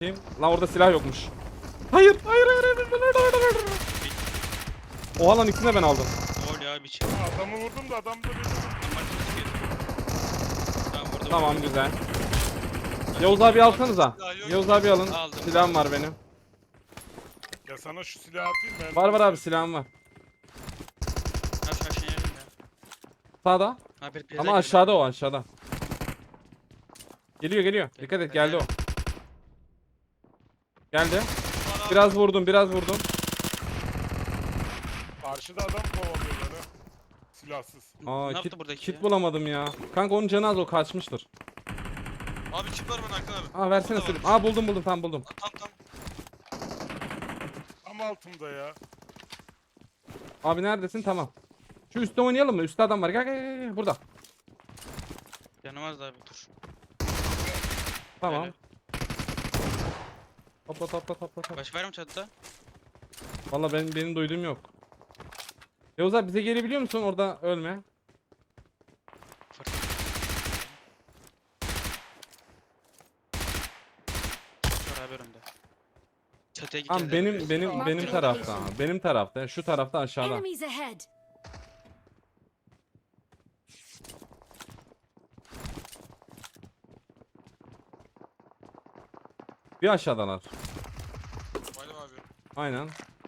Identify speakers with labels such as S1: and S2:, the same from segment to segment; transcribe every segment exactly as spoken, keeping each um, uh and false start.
S1: Kim? Lan orada silah yokmuş. Hayır, hayır, hayır, hayır, hayır, hayır, hayır. Oha lan ikisini de ben aldım.
S2: Ne oluyor abi içeri?
S3: Ha, adamı vurdum da adam da beni vurdu.
S2: Tamam vurdum.
S1: Tamam güzel. Yavuz abi alsanıza. Yavuz abi alın.
S2: Aldım.
S1: Silahım var benim.
S3: Ya sana şu silahı atayım ben.
S1: Var var abi silahım var.
S2: Abi şu aşağıya yerim ya.
S1: Sağda.
S2: Abi bir
S1: Ama aşağıda o aşağıda. Geliyor geliyor. Dikkat et geldi o. Geldi. Biraz vurdum biraz vurdum.
S3: Karşıda adam kovalıyor beni. Silahsız.
S1: Aa
S2: Ne
S1: kit,
S2: yaptı buradaki
S1: kit
S2: ya?
S1: bulamadım ya. Kanka onun canı az o kaçmıştır.
S4: Abi çip var bana Hakan abi.
S1: Aa versene
S4: Burada
S1: sürüm.
S4: varmış.
S1: Aa buldum buldum tam buldum.
S4: Tam tam.
S3: Tam altımda ya.
S1: Abi neredesin tamam. Şu üstte oynayalım mı? Üstte adam var. Gel gel gel, gel. Burada.
S2: Yanamaz abi dur.
S1: Tamam.
S2: Öyle.
S1: Topla topla topla topla.
S2: Baş var mı çatıda?
S1: Valla benim, benim duyduğum yok. Yavuz abi bize gelebiliyor musun? Orada ölme.
S2: Var abi önümde. Çatıya git.
S1: Tamam benim benim
S3: Tamam,
S1: benim
S3: tamam.
S1: tarafta. Benim tarafta. Şu tarafta aşağıda.
S5: Enemies ahead.
S1: Bir aşağıdalar.
S4: Bayram abi.
S1: Aynen.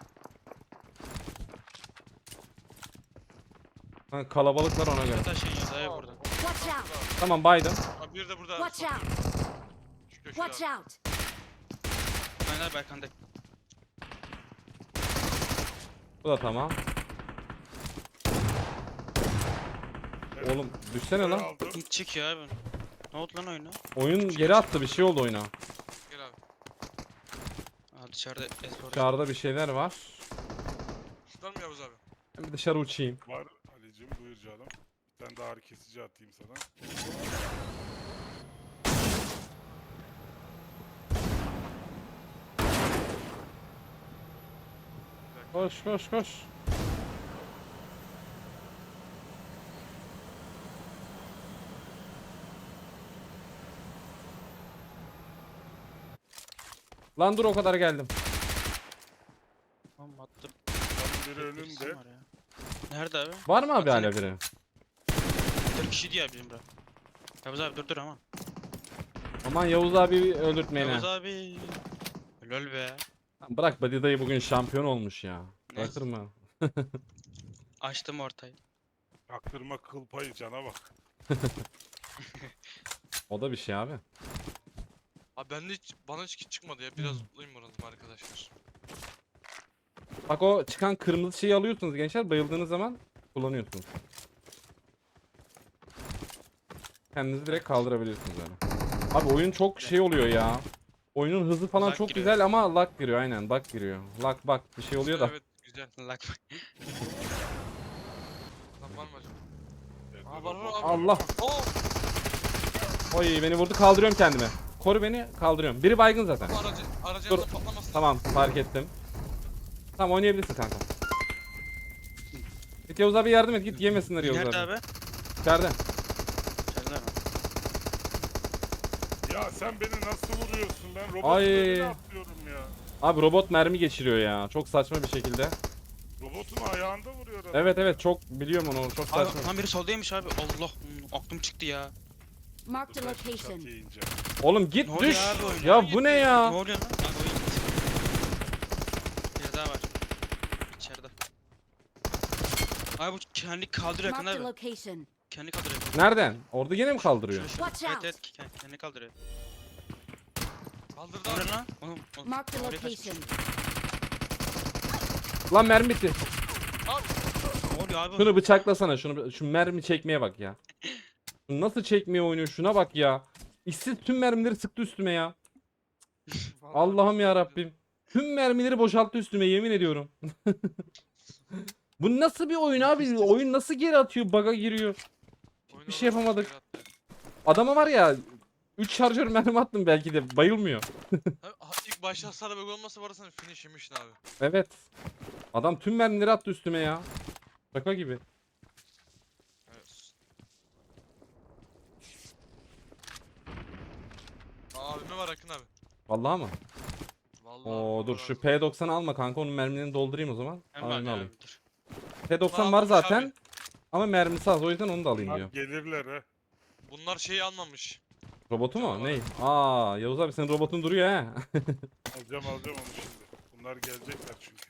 S1: Ha, kalabalıklar ona göre.
S2: Çatı aşağı iniyoruz abi buradan.
S5: Watch out.
S1: Tamam baydım.
S4: Abi bir de burada.
S5: Watch
S4: sol-
S5: out.
S4: Şu köşede
S5: Watch
S4: abi.
S5: out.
S2: Ben abi arkanda.
S1: Bu da tamam.
S3: Evet,
S1: Oğlum düşsene lan.
S3: aldım.
S2: Hiç çıkıyor abi. Ne oldu lan oyuna?
S1: Oyun geri attı bir şey oldu oyuna.
S4: Gel abi.
S2: Aa dışarıda espor.
S1: Dışarıda bir şeyler var.
S4: Tutar mı Yavuz abi?
S1: Ben bir dışarı uçayım.
S3: Var Ali'cim buyur canım. Bir tane daha ağrı kesici atayım sana.
S1: Koş koş koş. Lan dur o kadar geldim.
S2: Tamam attım.
S3: Adamın biri
S2: Birisi
S3: önümde.
S2: var ya. Nerede abi?
S1: Var mı abi
S2: Bak
S1: hala
S2: seni-
S1: biri?
S2: Dört kişi diyor bizim bura. Yavuz abi dur dur ama.
S1: Aman Yavuz abi öldürtmeyin
S2: Yavuz
S1: ha.
S2: abi. Lol be.
S1: Lan bırak Badi dayı bugün şampiyon olmuş ya.
S2: Ne?
S1: Bırakır mı?
S2: Açtım ortayı.
S3: Aktırma kıl payı cana bak.
S1: O da bir şey abi.
S4: Abi bende hiç bana hiç kit çıkmadı ya. Biraz zıplayayım moralım arkadaşlar.
S1: Bak o çıkan kırmızı şeyi alıyorsunuz gençler. Bayıldığınız zaman kullanıyorsunuz. Kendinizi direkt kaldırabiliyorsunuz yani. Abi oyun çok şey oluyor ya. Oyunun hızı falan
S2: Lag
S1: çok
S2: giriyor.
S1: güzel ama lag giriyor aynen. Lag giriyor. Lag bak bir şey oluyor da.
S4: Evet güzel.
S2: Lak.
S4: Lan var mı acaba?
S3: Evet,
S4: Aa
S3: dur,
S4: var var
S3: bak.
S4: abi.
S1: Allah.
S4: Oo!
S1: Oy beni vurdu kaldırıyorum kendimi. Koru beni kaldırıyorum. Biri baygın zaten.
S4: Bu aracı, aracı
S1: Dur.
S4: yanında patlamasın.
S1: Tamam fark ettim. Tamam oynayabilirsin kanka. Git Yavuz abi yardım et git yemesinler Yavuz
S2: Nerede
S1: abi.
S2: abi?
S1: İçeride.
S2: İçeride mi?
S3: Ya sen beni nasıl vuruyorsun? Ben robotun
S1: Ay.
S3: önüne atlıyorum ya.
S1: Abi robot mermi geçiriyor ya. Çok saçma bir şekilde.
S3: Robotun ayağında vuruyor adam.
S1: Evet evet çok biliyorum onu çok
S2: Abi
S1: saçma.
S2: tam biri soldaymış abi. Allah hmm, aklım çıktı ya.
S5: Marked a
S3: Dur, ben şu
S5: location.
S3: çatıya ineceğim.
S1: Oğlum git
S2: Ne oluyor
S1: düş.
S2: abi oyuna?
S1: Ya bu ne
S2: Ne
S1: ya?
S2: oluyor lan? Abi oyun gitti. Bir daha var. İçeride. Abi bu kendi kaldırıyor yakın
S5: Marked a
S2: abi.
S5: location.
S2: Kendi kaldırıyor.
S1: Nereden? Orada yine mi kaldırıyor?
S2: Şurada, şurada.
S5: Watch
S2: Evet
S5: out.
S2: evet kendi, kendi kaldırıyor.
S4: Kaldırdı
S2: O
S4: abi.
S2: ne lan? Oğlum, oğlum,
S5: Marked a
S2: oraya kaçmış.
S5: location.
S1: Lan mermi bitti.
S4: Abi.
S2: Ne oluyor abi?
S1: Şunu bıçaklasana şunu. Şu mermi çekmeye bak ya. Şunu nasıl çekmeye oynuyor şuna bak ya. İşsiz tüm mermileri sıktı üstüme ya.
S4: Vallahi
S1: Allah'ım ya
S4: kaldırdı.
S1: Rabbim. Tüm mermileri boşalttı üstüme yemin ediyorum. Bu nasıl bir oyun abi? Oyun nasıl geri atıyor? Bug'a giriyor.
S4: Oyun
S1: Bir şey
S4: olarak
S1: yapamadık.
S4: geri attı.
S1: Adama var ya üç şarjör mermi attım belki de bayılmıyor.
S4: Abi, ha- ilk başta hasarı böyle olmasa var ya sen finish yemiştin abi.
S1: Evet. Adam tüm mermileri attı üstüme ya. Şaka gibi.
S4: Evet. Aa abime var Akın abi.
S1: Vallahi mı?
S4: Vallahi
S1: Oo
S4: Allah
S1: dur
S4: razı
S1: şu
S4: olsun.
S1: P doksan'ı alma kanka, onun mermilerini doldurayım o zaman.
S2: Hem var
S1: Aynen
S2: ya
S1: alayım.
S2: abi, dur.
S1: P doksan
S4: Aa,
S1: var
S4: almış
S1: zaten
S4: abi.
S1: ama mermisi az, o yüzden onu da alayım
S3: Bunlar
S1: diyor.
S3: gelirler ha.
S4: Bunlar şeyi almamış.
S1: Robotu mu?
S4: Canavar.
S1: Ney? Aa Yavuz abi senin robotun duruyor he.
S3: Alacağım alacağım onu şimdi. Bunlar gelecekler çünkü.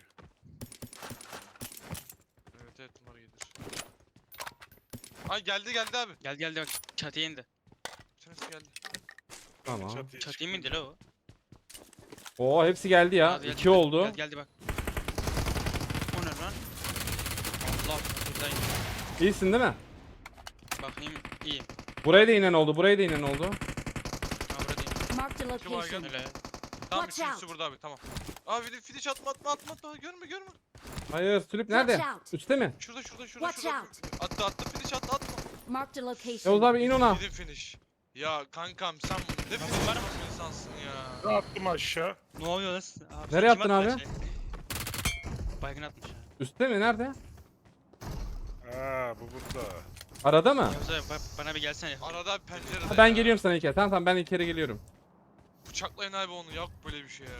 S4: Evet evet bunlar gelir. Ay geldi geldi abi.
S2: Gel geldi bak çatıya indi.
S4: Bir tanesi geldi.
S1: Tamam.
S3: Çatıya
S2: Çatıya mı indi
S3: çıktım.
S2: la o?
S1: Oo hepsi geldi ya.
S2: Aa, geldi,
S1: İki
S2: geldi.
S1: oldu.
S2: Geldi, geldi bak. O ne lan? Allah buradayım.
S1: İyisin değil mi?
S2: Bakayım iyi.
S1: Buraya da inen oldu. Buraya da inen oldu.
S2: Ha buradayım.
S5: Marked a
S4: Kim var
S5: location.
S2: Öyle.
S4: Tamam
S5: Watch
S4: üçüncüsü burada abi tamam. Abi bir de finish atma atma atma atma görme görme.
S1: Hayır Sülüp
S5: Watch
S1: nerede?
S5: out.
S1: Üste mi?
S4: Şurada şurada şurada
S5: Watch
S4: şurada.
S5: out.
S4: Attı attı finish attı atma.
S5: Marked a
S1: Yavuz
S5: location.
S1: abi in ona.
S4: Gidin finish. Ya kankam sen ne finish var mı insansın ya.
S3: Attım aşağı.
S2: Ne oluyor lan? Abi,
S1: Nereye
S2: sen kim
S1: attın
S2: attı
S1: abi?
S2: şey? Baygın atmış ha.
S1: Üste mi? Nerede?
S3: Ha bu burada.
S1: Arada mı?
S2: Yavuz abi ba- bana bir gelsene.
S4: Arada bir pencerede
S1: Ha, ben
S4: ya.
S1: geliyorum sana İlker. Tamam tamam ben İlker'e geliyorum.
S4: Bıçaklayın abi onu yok böyle bir şey ya.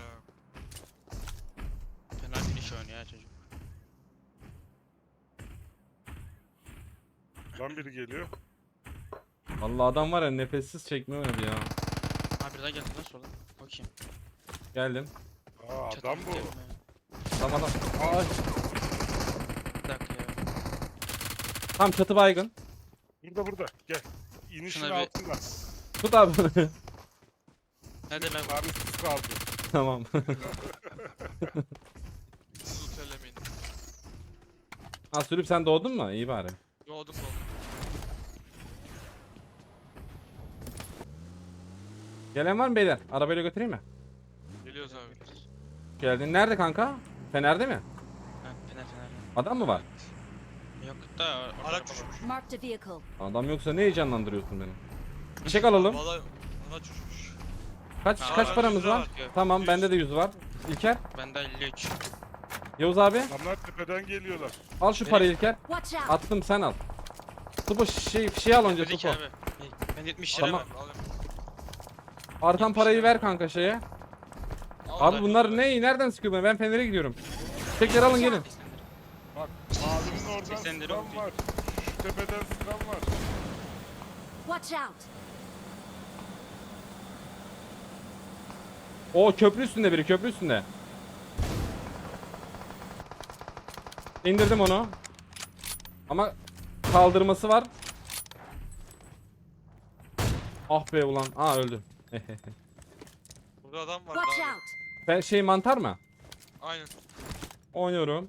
S2: Fena finish oynuyor ya çocuk.
S3: Lan biri geliyor.
S1: Vallahi adam var ya nefessiz çekme oynadı ya.
S2: Ha bir daha geldi lan sola. Bakayım.
S1: Geldim.
S3: Aa
S2: Çatı
S3: adam bu.
S2: gidelim ya.
S1: Tamam adam. Ay.
S2: Bir dakika ya.
S1: Tam çatı baygın.
S3: Burada burada. Gel. İnişin
S2: Şuna bir-
S3: altında.
S1: Tut abi.
S2: Nerede lan?
S3: Tanesiz kaldı.
S1: Tamam.
S4: Siz utelemeyin.
S1: Ha Sülüp sen doğdun mu? İyi bari.
S4: Doğdum doğdum.
S1: Gelen var mı beyler? Arabayla götüreyim mi?
S4: Geliyoruz abi.
S1: Geldin. Nerede kanka? Fener'de mi?
S2: Ha fener fener.
S1: Adam mı var?
S2: Yok da orada
S4: Araç
S2: araba var.
S4: düşmüş.
S5: Marked a vehicle.
S1: Adam yoksa ne heyecanlandırıyorsun beni? Çek alalım.
S4: Valla araç düşmüş.
S1: Kaç
S2: Aa,
S1: kaç
S2: yüz
S1: paramız
S4: lira
S1: var?
S4: var.
S2: Yok.
S1: Tamam
S4: yüz.
S1: bende de yüz var. İlker.
S2: Bende elli üç.
S1: Yavuz abi
S3: Adamlar tepeden geliyorlar.
S1: al şu
S2: Nereye?
S1: parayı İlker.
S5: Watch out.
S1: Attım sen al. Tupo şey şey al önce
S2: Öteki
S1: Tupo.
S2: abi. Ben yetmiş lira
S1: Tamam.
S2: var.
S4: Alayım.
S1: Artan parayı ver kanka şeye.
S2: Al
S1: Abi
S2: da
S1: bunlar
S2: yüz
S1: ne? Nereden sıkıyor beni? Ben Fener'e gidiyorum. Tekleri alın gelin.
S3: Bak mavinin oradan
S2: seksen lira
S3: sıkan
S2: oldu.
S3: var. Şu tepeden sıkan var.
S5: Watch out.
S1: O köprü üstünde biri, köprü üstünde. İndirdim onu. Ama kaldırması var. Ah be ulan. Aa öldü.
S4: Burada adam var.
S5: Watch
S4: abi.
S5: out.
S1: Ben şey mantar mı?
S4: Aynen.
S1: Oynuyorum.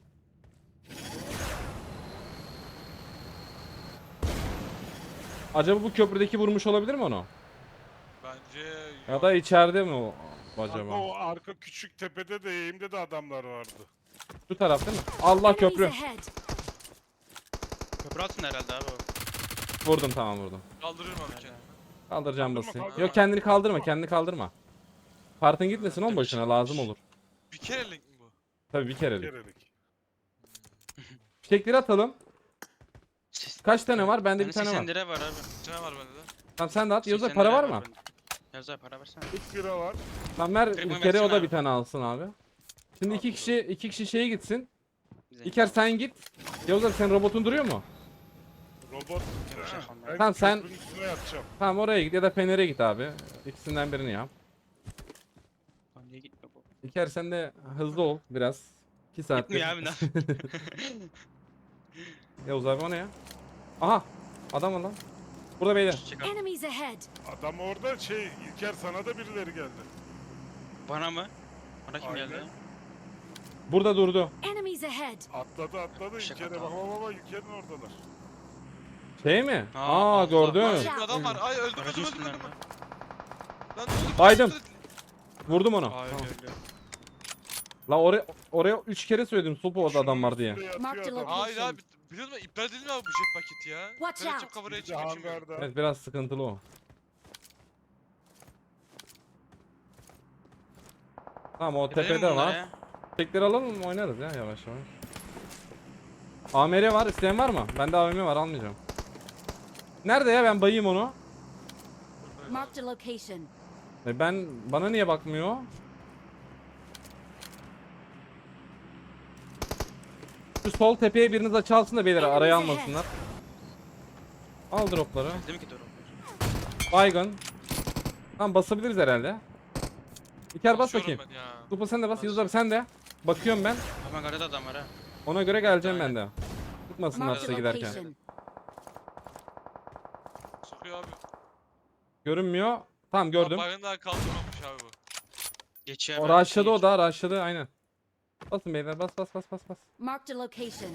S1: Acaba bu köprüdeki vurmuş olabilir mi onu?
S4: Bence
S1: Ya
S4: yok.
S1: da içeride mi o
S3: Acaba?
S1: acaba?
S3: O arka küçük tepede de eğimde de adamlar vardı.
S1: Şu taraf değil mi? Allah
S5: Enemies
S1: köprü.
S5: ahead.
S2: Köprü altında herhalde abi o.
S1: Vurdum tamam vurdum.
S4: Kaldırırım abi kendimi.
S1: Kaldıracağım
S3: Kaldırma,
S1: basayım.
S3: kaldırma.
S1: Yok kendini kaldırma, kendini kaldırma. Partın gitmesin on başına lazım olur.
S4: Bir kerelik mi bu?
S1: Tabii bir kerelik.
S3: Kerelik.
S1: Fişekleri atalım.
S2: Ses-
S1: Kaç tane var? Bende
S2: Bende
S1: bir tane
S2: seksen
S1: var.
S2: lira var abi.
S4: Bir tane var bende de.
S1: Tamam sen de at. Yavuz'a
S2: seksen
S1: para
S2: lira
S1: var mı?
S2: bende. Yavuz abi para versene.
S3: kırk lira var.
S1: Tamam ver
S2: Kırk mı
S1: İlker'e o
S2: versene
S1: da
S2: abi?
S1: bir tane alsın abi. Şimdi iki kişi iki kişi şeye gitsin.
S2: Bize.
S1: İlker sen git. Yavuz abi senin robotun duruyor mu?
S3: Robot.
S2: Şey,
S3: Ben
S1: Tamam, sen-
S3: köprünün üstüne yatacağım.
S1: Tamam oraya git ya da Fener'e git abi. İkisinden birini yap.
S2: Lan niye gitmiyor bu?
S1: İlker sen de hızlı ol biraz. iki saattir.
S2: Gitmiyor abi lan.
S1: Yavuz abi o ne ya? Aha adam var lan. Burada beyler.
S2: Çek abi.
S5: Enemies ahead.
S3: Adam orada şey İlker sana da birileri geldi.
S2: Bana mı? Bana kim
S3: Aynen.
S2: geldi?
S1: Burada durdu.
S5: Enemies ahead.
S3: Atladı atladı
S2: Şaka
S3: İlker'e bak
S2: tamam.
S3: bak bak İlker'in oradalar.
S1: Şey mi?
S2: Aa,
S1: Aa,
S2: Allah.
S1: gördün.
S5: Watch
S4: Bir
S5: out.
S4: adam var. Ay öldüm
S2: Aracın
S4: öldüm öldüm.
S2: üstünden
S4: öldüm.
S2: mi?
S4: Lan ne oldu?
S1: Baydım. Vurdum onu.
S2: Aa öldü
S1: Tamam.
S2: öldü.
S1: La oraya oraya üç kere söyledim Sopo orada adam var diye.
S3: Üstünde
S5: Mark
S3: yatıyor
S5: the
S3: adam.
S4: Hayır abi. Biliyor musun? İptal edildi mi abi bu jet paketi ya?
S5: Watch
S4: Ben açıp
S5: out.
S4: kameraya
S3: Bir de
S4: çıkıp geçemiyorum.
S3: hangarda.
S1: Evet biraz sıkıntılı o. Tamam o
S2: Gidelim mi
S1: tepede
S2: bunlara
S1: var.
S2: ya?
S1: Tekleri alalım mı oynarız ya yavaş yavaş. A M R var, isteyen var mı? Bende A V M var, almayacağım. Nerede ya, ben bayayım onu.
S5: Marked a location.
S1: E ben bana niye bakmıyor? Şu sol tepeye biriniz açı alsın da beyler araya almasınlar. Al dropları.
S2: Değil mi ki doğru?
S1: Baygın. Tamam basabiliriz herhalde. İlker bas
S4: Basıyorum
S1: bakayım.
S4: ben ya.
S1: Lupa sen de bas.
S2: Bas.
S1: Yıldız abi sen de. Bakıyorum ben.
S2: Hemen garada adam var ha.
S1: Ona göre geleceğim ben de. Tutmasınlar
S5: Marked
S1: size
S5: a
S1: giderken.
S5: location.
S4: Sıkıyor abi.
S1: Görünmüyor. Tamam gördüm.
S4: Bakın daha kaldırmamış abi bu.
S2: Geçiyor.
S1: O
S2: hemen,
S1: rushladı o
S2: geçiyor.
S1: da rushladı aynen. Basın beyler bas bas bas bas bas.
S5: Marked a location.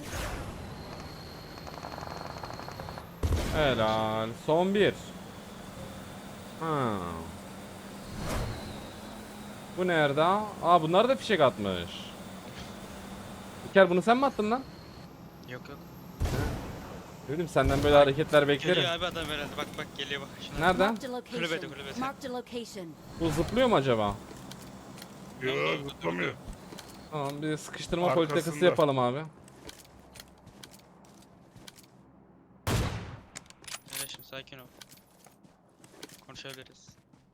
S1: Helal. Son bir. Ha. Bu nerede? Aa bunlar da fişek atmış. İlker bunu sen mi attın lan?
S2: Yok yok.
S1: Dedim senden böyle hareketler beklerim.
S2: Geliyor abi adam herhalde. Bak bak geliyor bak. Şuna.
S1: Nereden?
S5: Marked a location.
S2: Kulübede, kulübede.
S5: Marked a location.
S1: Bu zıplıyor mu acaba?
S3: Yok
S4: Yok,
S3: zıplamıyor.
S1: Tamam bir sıkıştırma
S3: Arkasında.
S1: politikası yapalım abi.
S2: Öyle şimdi sakin ol. Konuşabiliriz.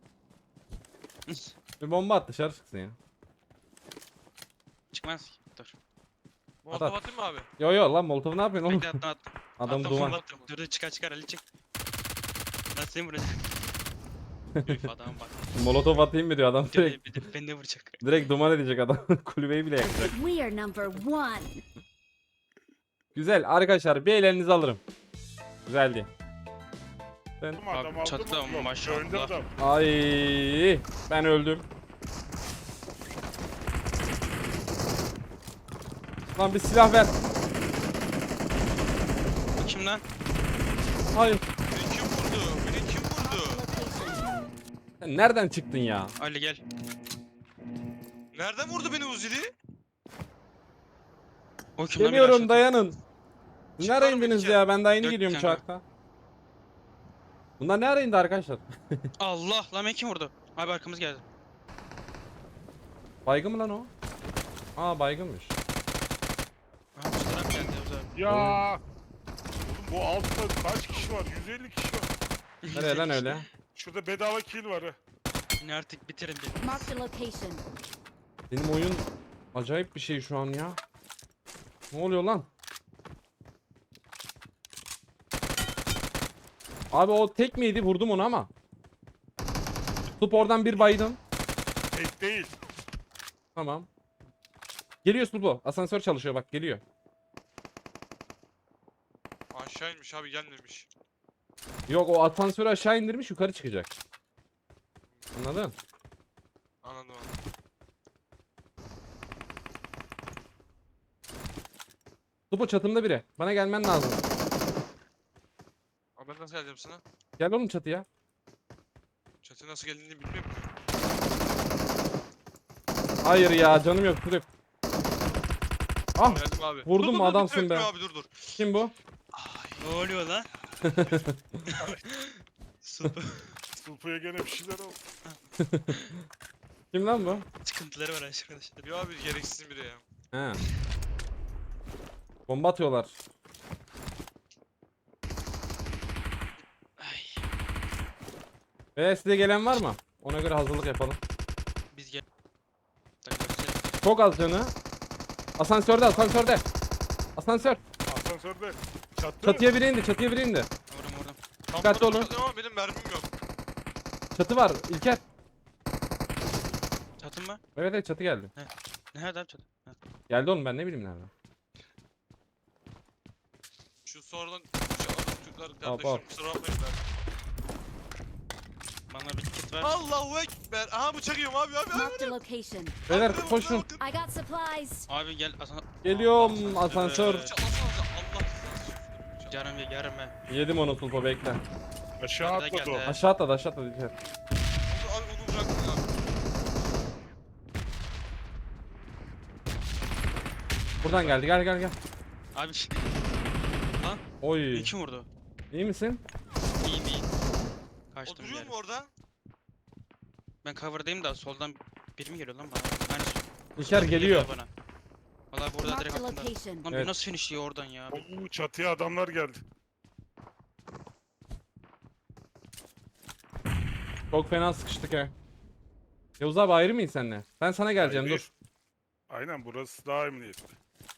S1: Bir bomba at dışarı çıksın ya.
S2: Çıkmaz ki. Dur.
S4: Molotov atayım mı abi?
S1: Yo yo lan Molotov ne yapıyorsun oğlum?
S2: Bekle attım attım.
S1: Adam
S2: Attım,
S1: duman.
S2: attım. Dur dur çıkar çıkar Ali çık. Nasıl seni vuracak? Üf adam bak.
S1: Molotov atayım mı diyor adam
S2: Bir de,
S1: direkt.
S2: bir de beni de vuracak.
S1: Direkt duman edecek adam. Kulübeyi bile yakacak.
S5: We are number one.
S1: Güzel arkadaşlar bir ellerinizi alırım. Güzeldi. Ben...
S3: Ama adam
S2: Abi
S3: aldı
S2: çatıda
S3: mı? Yok,
S2: maşallah.
S3: önde adam.
S1: Ay ben öldüm. Lan bir silah ver.
S2: Bu kim lan?
S1: Hayır.
S4: Beni kim vurdu? Beni kim vurdu?
S5: Location.
S1: Sen nereden çıktın ya?
S2: Ali gel.
S4: Nereden vurdu beni Uzili?
S2: O kim lan? Bir
S1: Geliyorum
S2: aşağı-
S1: dayanın. Siz
S4: Çıkar
S1: nereye
S4: mı
S1: indiniz
S4: içeri?
S1: ya? Ben daha yeni
S2: Dök
S1: geliyorum
S2: kanka.
S1: uçakta. Bunlar ne ara indi arkadaşlar?
S2: Allah lan beni kim vurdu? Abi arkamız geldi.
S1: Baygın mı lan o? Aa baygınmış.
S2: Aha bu taraf geldi o zaman.
S3: Ya. Oğlum bu altta kaç kişi var? yüz elli kişi var.
S1: Nereye lan öyle?
S3: Şurada bedava kill var ha.
S2: Yine artık bitirin beni.
S5: Marked a location.
S1: Benim oyun acayip bir şey şu an ya. Ne oluyor lan? Abi o tek miydi? Vurdum onu ama. Tutup oradan bir baydım.
S3: Tek değil.
S1: Tamam. Geliyor Sulpo. Asansör çalışıyor bak geliyor.
S4: Aşağı inmiş abi gelmemiş.
S1: Yok o asansörü aşağı indirmiş yukarı çıkacak. Anladın?
S4: Anladım abi.
S1: Sulpo çatımda biri. Bana gelmen lazım.
S4: Abi ben nasıl geleceğim sana?
S1: Gel oğlum çatıya.
S4: Çatıya nasıl geldiğini bilmiyorum.
S1: Hayır ya canım yok Turip. Ah
S4: Geldim abi.
S1: Vurdun
S4: Dur,
S1: mu
S4: dur, dur,
S1: adamsın
S4: bitirme
S1: be.
S4: Abi dur dur.
S1: kim bu?
S2: Ne oluyor lan? Super.
S3: Sulpuya gene bir şeyler oldu.
S1: Kim lan bu?
S2: Sıkıntıları var arkadaşlar.
S4: Bir abi gereksiz biri ya.
S1: He. Bomba atıyorlar.
S2: Ay.
S1: Ve size gelen var mı? Ona göre hazırlık yapalım.
S2: Biz gel. Takip edeceğiz.
S1: Çok az canı. Asansörde asansörde. Asansör.
S3: Asansörde. Çatı.
S1: Çatıya biri indi çatıya biri indi.
S2: Vurdum vurdum.
S4: Tam
S1: Dikkatli
S4: burada
S1: olun.
S4: tuttum Ama benim mermim yok.
S1: Çatı var İlker.
S2: Çatın mı?
S1: Evet evet çatı geldi.
S2: Nerede abi çatı? Ha.
S1: Geldi oğlum ben ne bileyim nereden.
S4: Şu sonradan şu adam Türkler
S1: hop.
S4: kardeşim kusura bakmayın ben.
S2: Bana bir kit ver.
S4: Allahu Ekber. Aha bıçak yiyorum abi abi abi.
S5: Marked a location.
S1: Beyler
S4: Abi,
S1: koşun.
S4: bakın.
S5: I got supplies.
S2: Abi gel asan.
S1: Geliyorum asansör.
S4: Bıçaklasanıza Allah rızası için. Bıçak-
S2: Yarım ye yarım ye.
S1: Yedim onu Sulpo bekle.
S3: Aşağı
S2: Arada
S3: atladı o.
S2: geldi.
S1: Aşağı atladı aşağı atladı İlker.
S4: Abi onu bıraktın abi.
S1: Buradan geldi gel gel gel.
S2: Abi ş-
S1: Oy.
S2: beni kim vurdu?
S1: İyi misin?
S2: İyi iyi.
S4: O
S2: Kaçtım
S4: duruyor
S2: bir
S4: mu
S2: yere.
S4: orada?
S2: Ben cover'dayım da soldan biri mi geliyor lan bana? Aynen.
S1: İlker
S2: Biri
S1: geliyor.
S2: bana. Valla burada
S5: Marked
S2: direkt
S5: a
S2: aklımda.
S5: location.
S2: Lan
S1: Evet.
S2: bir nasıl finishliyor oradan ya?
S3: Oo, çatıya adamlar geldi.
S1: Çok fena sıkıştık he. Yavuz abi ayrı mıyız seninle? Ben sana geleceğim
S3: Hayır.
S1: dur.
S3: Aynen burası daha emniyetli.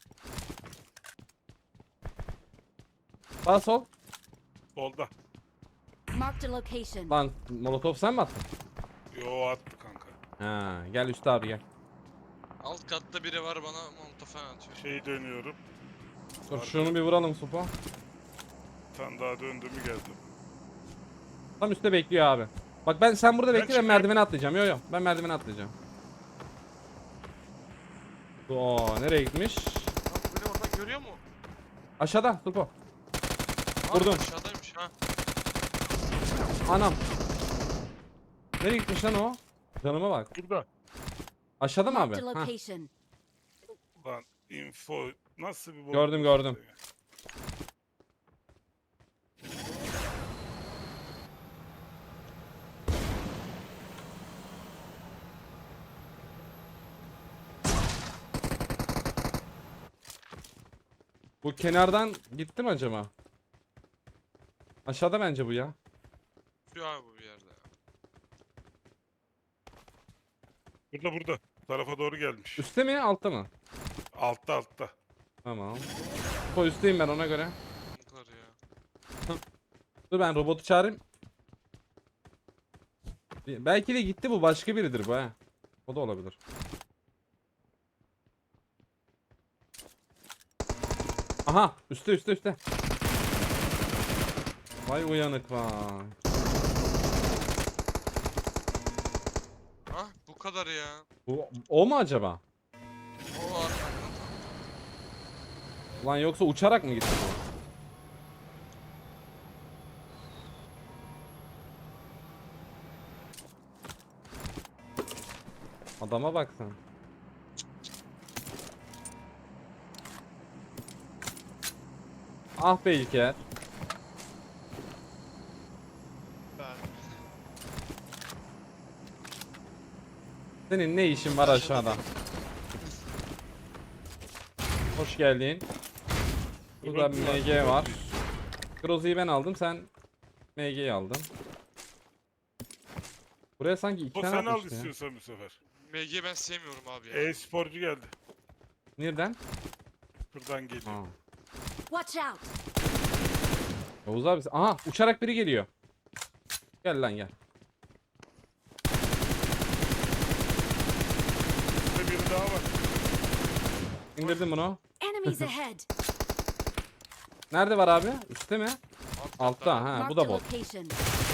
S1: Sağ sol.
S3: Solda.
S5: Marked a location.
S1: Lan molotof sen mi attın?
S3: Yo attı kanka.
S1: Ha, gel üstte abi gel.
S4: Alt katta biri var bana molotof falan atıyor.
S3: Şey dönüyorum.
S1: Dur
S3: Arka-
S1: şunu bir vuralım Supo.
S3: Bir tane daha döndüm mü geldim.
S1: Tam üstte bekliyor abi. Bak ben sen burada
S3: Ben
S1: bekle ben
S3: çıkıyorum.
S1: merdivene atlayacağım. Yo yo ben merdivene atlayacağım. Oo nereye gitmiş?
S4: Lan bu beni oradan görüyor mu?
S1: Aşağıda Supo.
S4: Aa,
S1: Vurdum.
S4: aşağıdaymış ha.
S1: Anam. Nereye gitmiş lan o? Canıma bak.
S3: Burada.
S1: Aşağıda mı abi?
S5: Marked a
S1: Hah.
S5: location.
S3: Lan info nasıl bir
S1: Gördüm, gördüm. Bu kenardan gitti mi acaba? Aşağıda bence bu ya.
S4: Şu abi bu bir yerde ya.
S3: Burada burada. Tarafa doğru gelmiş.
S1: Üstte mi altta mı?
S3: Altta altta.
S1: Tamam. Bu üstteyim ben ona göre.
S4: Yukarı ya.
S1: Dur ben robotu çağırayım. Belki de gitti bu başka biridir bu ha. O da olabilir. Aha üstte üstte üstte. Vay uyanık vay.
S4: Ah bu kadar ya.
S1: Bu, o mu acaba?
S4: O arkamdan.
S1: Lan yoksa uçarak mı gitti bu? Adama bak sen. Ah be İlker. Senin ne işin var aşağıda? Hoş geldin. Burada bir M G var. Grozu'yu ben aldım, sen M G'yi aldın. Buraya sanki iki
S3: O
S1: tane
S3: sen al
S1: atmıştı ya.
S3: istiyorsan bu sefer.
S4: M G ben sevmiyorum abi ya.
S3: E-sporcu geldi.
S1: Nereden?
S3: Buradan geliyor.
S1: Ha.
S5: Watch out.
S1: Yavuz abi. Aha uçarak biri geliyor. Gel lan gel.
S3: Burada biri daha var.
S1: İndirdim bunu.
S5: Enemies ahead.
S1: Nerede var abi? Üstte mi?
S4: Alt
S1: Altta
S4: katta.
S1: ha bu
S5: Marked
S1: da
S5: a
S1: bot.
S5: location.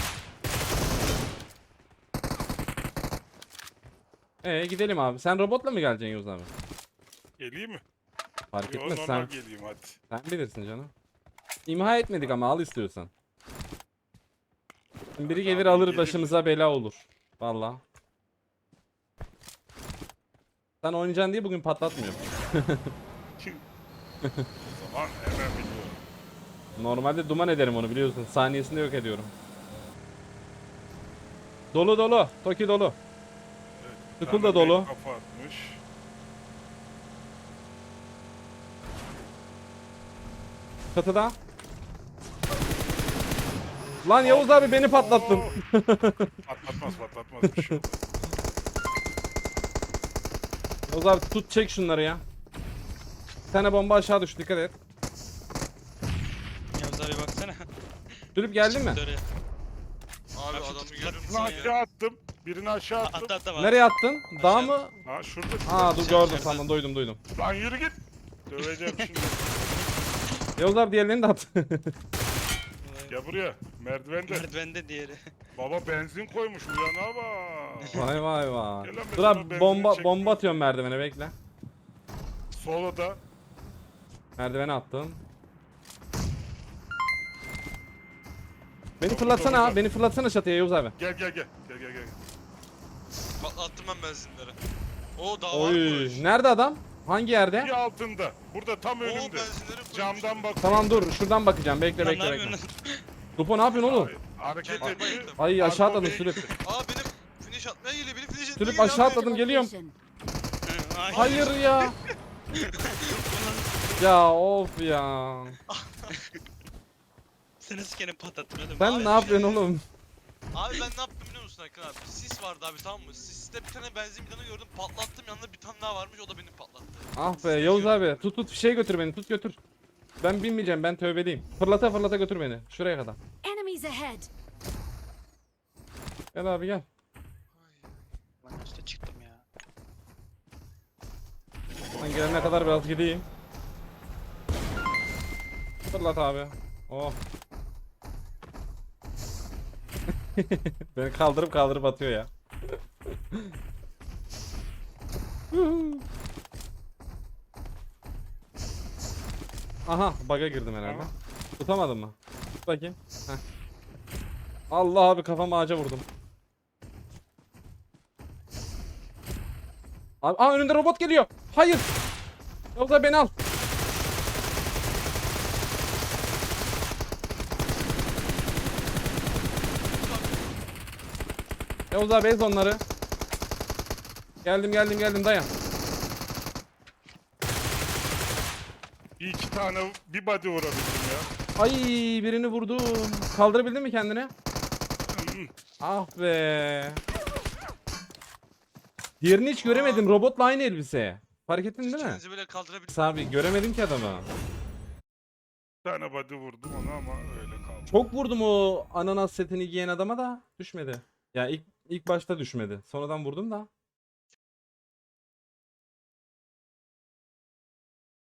S1: Ee gidelim abi. Sen robotla mı geleceksin Yavuz abi?
S3: Geleyim mi?
S1: Fark
S3: Yo,
S1: etmez
S3: normal
S1: sen.
S3: geleyim hadi.
S1: Sen bilirsin canım. İmha etmedik ama al istiyorsan. Şimdi biri
S3: Hadi
S1: gelir
S3: abi,
S1: alır
S3: geleyim.
S1: başımıza bela olur. Valla. Sen oynayacaksın diye bugün patlatmıyorum.
S3: Kim? O zaman hemen biliyorum.
S1: Normalde duman ederim onu biliyorsun. Saniyesinde yok ediyorum. Dolu dolu. Toki dolu.
S3: Evet,
S1: Tıkıl da
S3: tane
S1: dolu.
S3: mek Kafa atmış.
S1: Çatıda. Lan Yavuz abi beni patlattın.
S3: Oo! Patlatmaz patlatmaz bir şey olmaz.
S1: Yavuz abi tut çek şunları ya. Bir tane bomba aşağı düştü dikkat et.
S2: Yavuz abi baksana.
S1: Sürüp geldin mi?
S2: Çıktı oraya.
S4: Abi
S2: Abi şu
S4: adamı
S2: tut-
S4: görüyor
S2: tut-
S4: musun
S3: Birini
S4: ya?
S3: aşağı attım. Birini aşağı attım.
S2: Atla atla var.
S1: Nereye attın? Dağ mı?
S3: Ha şurada.
S1: Aa dur
S2: Aşağı,
S1: gördüm
S2: aşağıda.
S1: tamam duydum duydum.
S3: Lan yürü git. Döveceğim şimdi.
S1: Yavuz abi diğerlerini de at.
S3: Gel buraya. Merdivende.
S2: Merdivende diğeri.
S3: Baba benzin koymuş uyana bak.
S1: Vay vay vay.
S3: Gel lan
S1: Dur
S3: ben
S1: abi
S3: sana benzin
S1: bomba
S3: çektim.
S1: bomba atıyorum merdivene bekle.
S3: Sola da.
S1: Merdivene attım. Beni
S3: Doğru,
S1: fırlatsana
S3: doğru.
S1: ha, beni fırlatsana çatıya Yavuz abi.
S3: Gel gel gel. Gel gel gel.
S4: Patlattım ben benzinleri. Oo daha
S1: Oy,
S4: varmış.
S1: nerede adam? Hangi yerde?
S3: Bir altında. Burada tam
S4: Oo
S3: önümde.
S4: benzinleri koymuş.
S3: Camdan bak.
S1: Tamam dur, şuradan bakacağım. Bekle
S2: Lan ne
S1: bekle bekle.
S2: yapıyorsun?
S1: Lupo ne yapıyorsun oğlum?
S3: Hareket
S4: Kendi
S3: etti.
S4: bayıldım.
S1: Ay aşağı atladım
S3: Arka
S1: sülüp.
S4: Aa benim finish atmaya geliyor. Benim finish atmaya
S1: Sülüp
S4: geliyor.
S1: aşağı
S4: abi.
S1: atladım geliyorum.
S5: Location.
S1: Hayır ya. Ya of ya.
S2: Seni sikerim patlattın oğlum.
S1: Sen ne yapıyorsun oğlum?
S4: Abi ben ne yaptım biliyor musun Hakan abi? Sis vardı abi, tamam mı? Siste bir tane benzin bidonu gördüm, patlattım, yanında bir tane daha varmış, o da beni patlattı.
S1: Ah be
S4: Siste
S1: Yavuz
S4: gördüm.
S1: abi tut tut fişeğe götür beni tut götür. Ben binmeyeceğim ben tövbeliyim. Fırlata fırlata götür beni şuraya kadar.
S5: Enemies ahead.
S1: Gel abi gel.
S2: Ben üstte çıktım ya.
S1: Ben gelene kadar biraz gideyim. Fırlat abi. Oh. Beni kaldırıp kaldırıp atıyor ya. Aha bug'a girdim herhalde.
S3: Tamam.
S1: Tutamadın mı? Tut bakayım. Heh. Allah abi kafamı ağaca vurdum. Abi, aa önümde robot geliyor. Hayır. Yavuz abi beni al. Yavuz abi ez onları. Geldim geldim geldim dayan.
S3: Bir iki tane bir body vurabildim ya.
S1: Ay birini vurdum. Kaldırabildin mi kendini? Ah be. Diğerini hiç göremedim. Robotla aynı elbise. Fark ettin değil mi?
S4: Kendinizi böyle kaldırabilirsiniz.
S1: Abi göremedim ki adamı.
S3: Bir tane body vurdum ona ama öyle kaldı.
S1: Çok vurdum o ananas setini giyen adama da düşmedi. Ya ilk ilk başta düşmedi. Sonradan vurdum da